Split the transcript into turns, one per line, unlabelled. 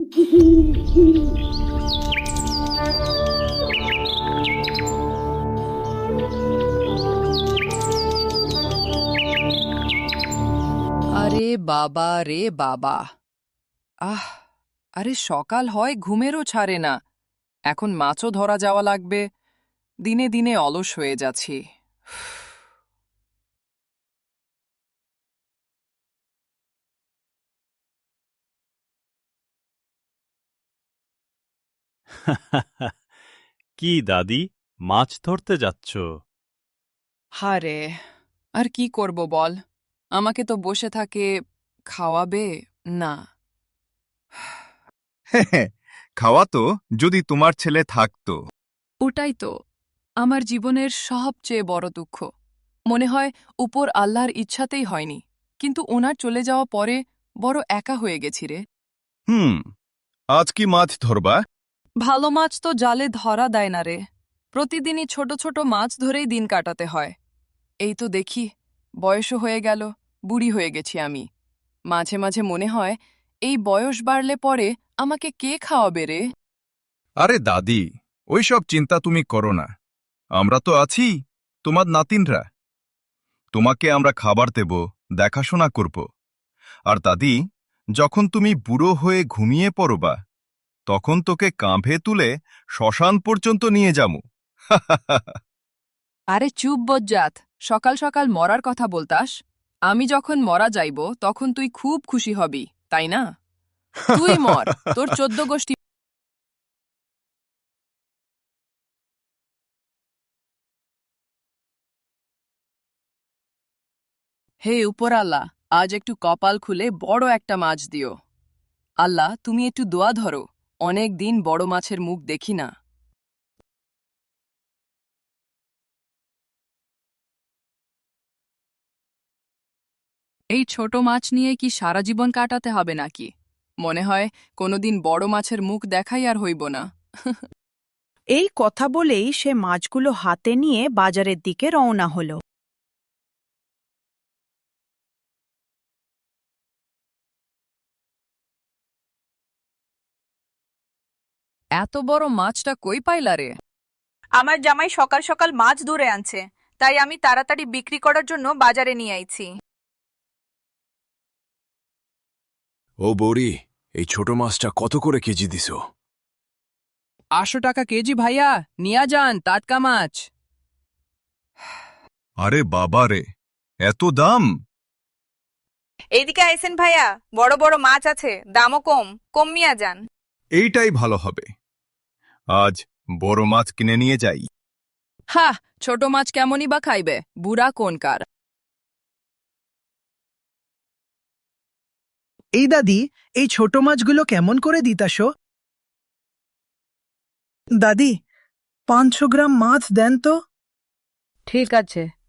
আরে বাবা রে বাবা! আহ, আরে সকাল হয় ঘুমেরও ছাড়ে না। এখন মাছও ধরা যাওয়া লাগবে। দিনে দিনে অলস হয়ে যাচ্ছি।
কি দাদি, মাছ ধরতে যাচ্ছ?
হারে, আর কি করব বল? আমাকে তো বসে থাকে খাওয়াবে না।
হ্যাঁ, খাওয়াতো যদি তোমার ছেলে থাকতো।
ওটাই তো আমার জীবনের সবচেয়ে বড় দুঃখ। মনে হয় উপর আল্লাহর ইচ্ছাতেই হয়নি, কিন্তু ওনার চলে যাওয়া পরে বড় একা হয়ে গেছি রে।
আজ কি মাছ ধরবা?
ভালো মাছ তো জালে ধরা দেয় না রে। প্রতিদিনই ছোট ছোট মাছ ধরেই দিন কাটাতে হয়। এই তো দেখি, বয়সও হয়ে গেল, বুড়ি হয়ে গেছি আমি। মাঝে মাঝে মনে হয় এই বয়স বাড়লে পরে আমাকে কে খাওয়াবে রে?
আরে দাদি, ওইসব চিন্তা তুমি করো না। আমরা তো আছি, তোমার নাতিনরা। তোমাকে আমরা খাবার দেব, দেখাশোনা করব। আর দাদি, যখন তুমি বুড়ো হয়ে ঘুমিয়ে পড়বা, তখন তোকে কাঁধে তুলে শ্মশান পর্যন্ত নিয়ে যামু।
আরে চুপ বজ্জাত, সকাল সকাল মরার কথা বলতাস? আমি যখন মরা যাইব তখন তুই খুব খুশি হবি, তাই না? তুই মর, তোর 14 গোষ্ঠী। হে উপর আল্লাহ, আজ একটু কপাল খুলে বড় একটা মাছ দিও। আল্লাহ, তুমি একটু দোয়া ধরো, অনেক দিন বড় মাছের মুখ দেখি না। এই ছোট মাছ নিয়ে কি সারা জীবন কাটাতে হবে নাকি? মনে হয় কোনোদিন বড় মাছের মুখ দেখাই আর হইব না।
এই কথা বলেই সে মাছগুলো হাতে নিয়ে বাজারের দিকে রওনা হলো।
এত বড় মাছটা কই পাইলা রে?
আমার জামাই সকাল সকাল মাছ ধরে আনছে, তাই আমি তাড়াতাড়ি বিক্রি করার জন্য বাজারে নিয়ে আইছি।
ও বৌরি, এই ছোট মাছটা কত করে কেজি দিছো?
800 টাকা কেজি ভাইয়া, নিয়া যান টাটকা মাছ।
আরে বাবা রে, এত দাম!
এইদিকে আইসেন ভাইয়া, বড় বড় মাছ আছে, দামও কম, কমিয়া যান।
এইটাই ভালো হবে। আজ বড় মাছ কিনে নিয়ে যাই।
হা, ছোট মাছ কেমনই বা খাইবে, বুড়া কোনকার।
এই দাদি, এই ছোট মাছগুলো কেমন করে দিতাসো? দাদি, 500 গ্রাম মাছ দেন তো।
ঠিক আছে,